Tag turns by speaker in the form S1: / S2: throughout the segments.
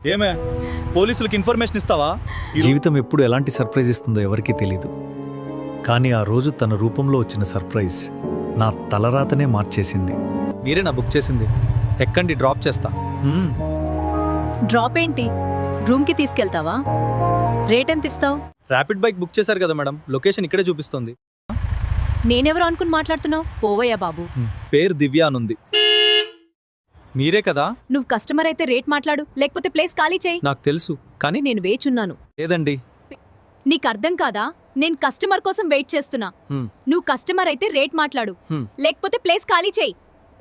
S1: ఏమే పోలీసులకు ఇన్ఫర్మేషన్ ఇస్తావా?
S2: జీవితం ఎప్పుడు ఎలాంటి సర్ప్రైజ్ ఇస్తుందో ఎవరికీ తెలీదు. కానీ ఆ రోజు తన రూపంలో వచ్చిన సర్ప్రైజ్ నా తలరాతనే మార్చేసింది. మీరే నా బుక్ చేసింది. ఎక్కండి, డ్రాప్ చేస్తా.
S3: డ్రాప్ ఏంటి? రూమ్కి తీసుకెళ్తావా? రేట్ ఎంత ఇస్తావు?
S2: ర్యాపిడ్ బైక్ బుక్ చేశారు కదా మేడం, లొకేషన్ ఇక్కడే చూపిస్తుంది.
S3: నేనెవరు అనుకుని మాట్లాడుతున్నావు? పోవయ్యా బాబు.
S2: పేరు దివ్య అనుంది. మీరే కదా?
S3: నువ్వు కస్టమర్ అయితే రేట్ మాట్లాడు, లేకపోతే ప్లేస్ ఖాళీ చేయి.
S2: నాకు తెలుసు, కానీ
S3: నేను వేచున్నాను.
S2: లేదండి.
S3: నీకు అర్థం కాదా? నేను కస్టమర్ కోసం వెయిట్ చేస్తున్నా. నువ్వు కస్టమర్ అయితే రేట్ మాట్లాడు, లేకపోతే ప్లేస్ ఖాళీ చేయి.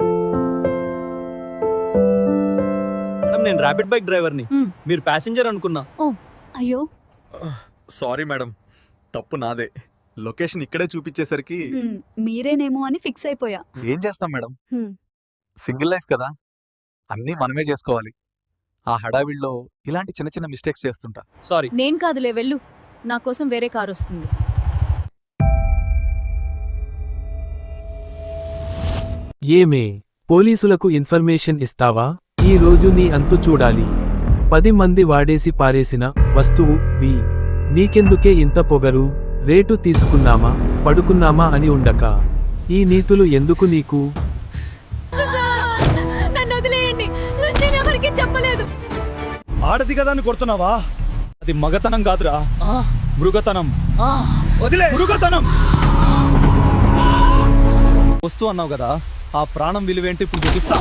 S2: మేడం, నేను ర్యాపిడ్ బైక్ డ్రైవర్ని, మీరు ప్యాసింజర్ అనుకున్నా.
S3: ఓ అయ్యో,
S1: సారీ మేడం, తప్పు నాదే. లొకేషన్ ఇక్కడే చూపించేసరికి
S3: మీరేనేమో అని ఫిక్స్ అయిపోయా.
S1: ఏం చేస్తాం మేడం, సింగిల్ లైఫ్ కదా, అన్నీ మనమే చేసుకోవాలి. ఆ హడావిడిలో ఇలాంటి చిన్న చిన్న మిస్టేక్స్ చేస్తుంటా.
S2: సారీ.
S3: నేను కాదులే, వెళ్ళు. నా కోసం వేరే కారు వస్తుంది.
S4: ఏమే, పోలీసులకు ఇన్ఫర్మేషన్ ఇస్తావా? ఈ రోజు నీ అంతు చూడాలి. 10 మంది వాడేసి పారేసిన వస్తువు వి. నీకెందుకే ఇంత పొగరు? రేటు తీసుకున్నామా పడుకున్నామా అని ఉండక ఈ నీతులు ఎందుకు నీకు?
S3: నన్ను వదిలేయండి, నేను ఎవరికీ చెప్పలేదు.
S1: ఆడది కదా అని కొడుతున్నావా? అది మగతనం కాదురా, మృగతనం. వదిలే, మృగతనం. వస్తూ అన్నావు కదా, ఆ ప్రాణం విలువేంటి ఇప్పుడు చూపిస్తా.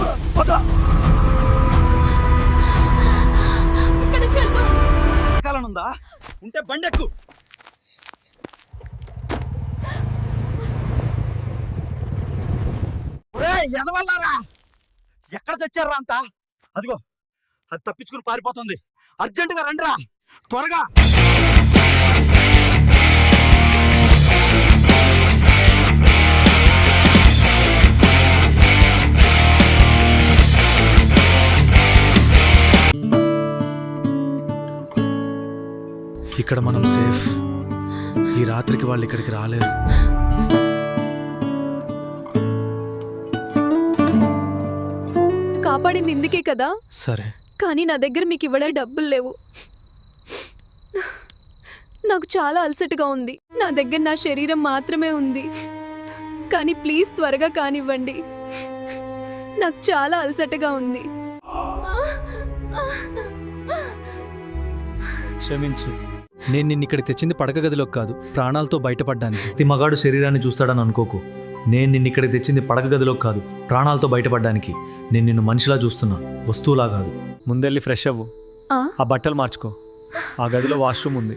S3: ఇక్కడ చెల్లు.
S1: కాలనుందా ఉంటే బండెక్కు. ఎదవల్లారా, ఎక్కడ చచ్చారా అంతా? అదిగో అది తప్పించుకుని పారిపోతుంది. అర్జెంటుగా రండిరా, త్వరగా.
S2: ఇక్కడ మనం సేఫ్. ఈ రాత్రికి వాళ్ళు ఇక్కడికి రాలేరు.
S3: కాపాడింది ఇందుకే కదా.
S2: సరే,
S3: కానీ నా దగ్గర మీకు ఇవ్వడానికి డబ్బులు లేవు. నాకు చాలా అలసటగా ఉంది. నా దగ్గర నా శరీరం మాత్రమే ఉంది. కానీ ప్లీజ్ త్వరగా కానివ్వండి, నాకు చాలా అలసటగా ఉంది.
S2: క్షమించు. నేను నిన్ను ఇక్కడ తెచ్చింది పడక గదిలోకి కాదు, ప్రాణాలతో బయటపడ్డానికి. ప్రతి మగాడు శరీరాన్ని చూస్తాడని అనుకోకు. నేను నిన్ను ఇక్కడ తెచ్చింది పడక గదిలోకి కాదు, ప్రాణాలతో బయటపడ్డానికి. నేను నిన్ను మనిషిలా చూస్తున్నా, వస్తువులా కాదు. ముందెళ్ళి ఫ్రెష్ అవ్వు, ఆ బట్టలు మార్చుకో. ఆ గదిలో వాష్రూమ్ ఉంది.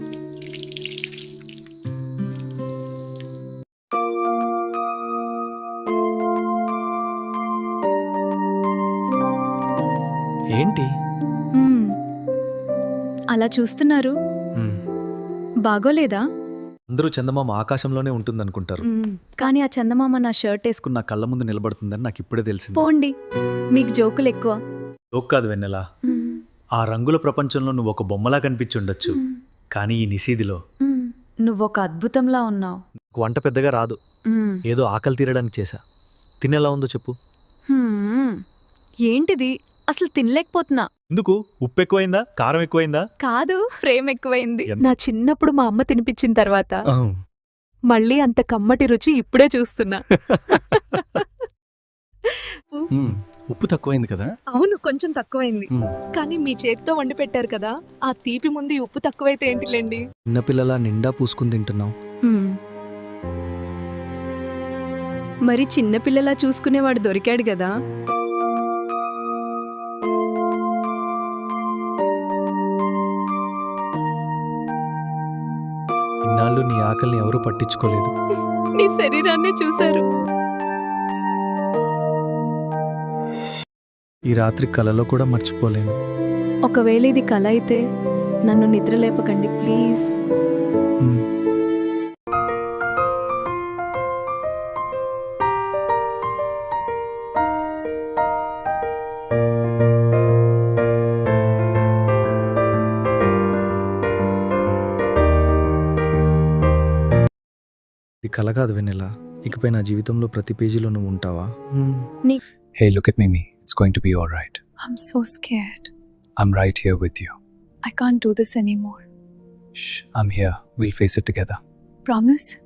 S2: ఏంటి
S3: అలా చూస్తున్నారు? బాగోలేదా?
S2: అందరూ చందమామ ఆకాశంలోనే ఉంటుందనుకుంటారు,
S3: కానీ ఆ చందమామ నా షర్ట్ వేసుకుని
S2: నా కళ్ళ ముందు నిలబడుతుందని నాకు ఇప్పుడే తెలిసింది.
S3: పోండి, మీకు జోకులు ఎక్కువ.
S2: జోక్ కాదు వెన్నెలా, ఆ రంగుల ప్రపంచంలో నువ్వు ఒక బొమ్మలా కనిపించి ఉండొచ్చు, కానీ ఈ నిశీదిలో
S3: నువ్వొక అద్భుతంలా ఉన్నావు.
S2: వంట పెద్దగా రాదు, ఏదో ఆకలి తీరడానికి చేశా. తినేలా ఉందో చెప్పు.
S3: ఏంటిది? అసలు తినలేకపోతున్నా.
S2: ఎందుకు? ఉప్పు ఎక్కువైందా, కారం ఎక్కువైందా?
S3: కాదు, ప్రేమ ఎక్కువైంది. నా చిన్నప్పుడు మా అమ్మ తినిపించిన తర్వాత మళ్ళీ అంత కమ్మటి రుచి ఇప్పుడే చూస్తున్నా.
S2: ఉప్పు తక్కువైంది కదా?
S3: అవును, కొంచెం తక్కువైంది. కానీ మీ చేతితో వండి పెట్టారు కదా, ఆ తీపి ముందు ఉప్పు తక్కువైతే ఏంటిలేండి.
S2: చిన్నపిల్లలా నిండా పూసుకుని తింటున్నావు.
S3: మరి చిన్నపిల్లలా చూసుకునేవాడు దొరికాడు కదా.
S2: ఇన్నాళ్ళు నీ ఆకలిని ఎవరూ పట్టించుకోలేదు.
S3: నీ శరీరాన్నే చూశారు.
S2: ఈ రాత్రి కలలో కూడా మర్చిపోలేను.
S3: ఒకవేళ ఇది కల అయితే నన్ను నిద్ర లేపకండి ప్లీజ్.
S2: ఇది కల కాదు వెన్నెలా, ఇకపై నా జీవితంలో ప్రతి పేజీలో నువ్వు ఉంటావా?
S3: నీ
S2: Hey, look at Mimi. It's going to be all right.
S3: I'm so scared.
S1: I'm right here with you.
S3: I can't do this anymore.
S1: Shh, I'm here. We'll face it together.
S3: Promise?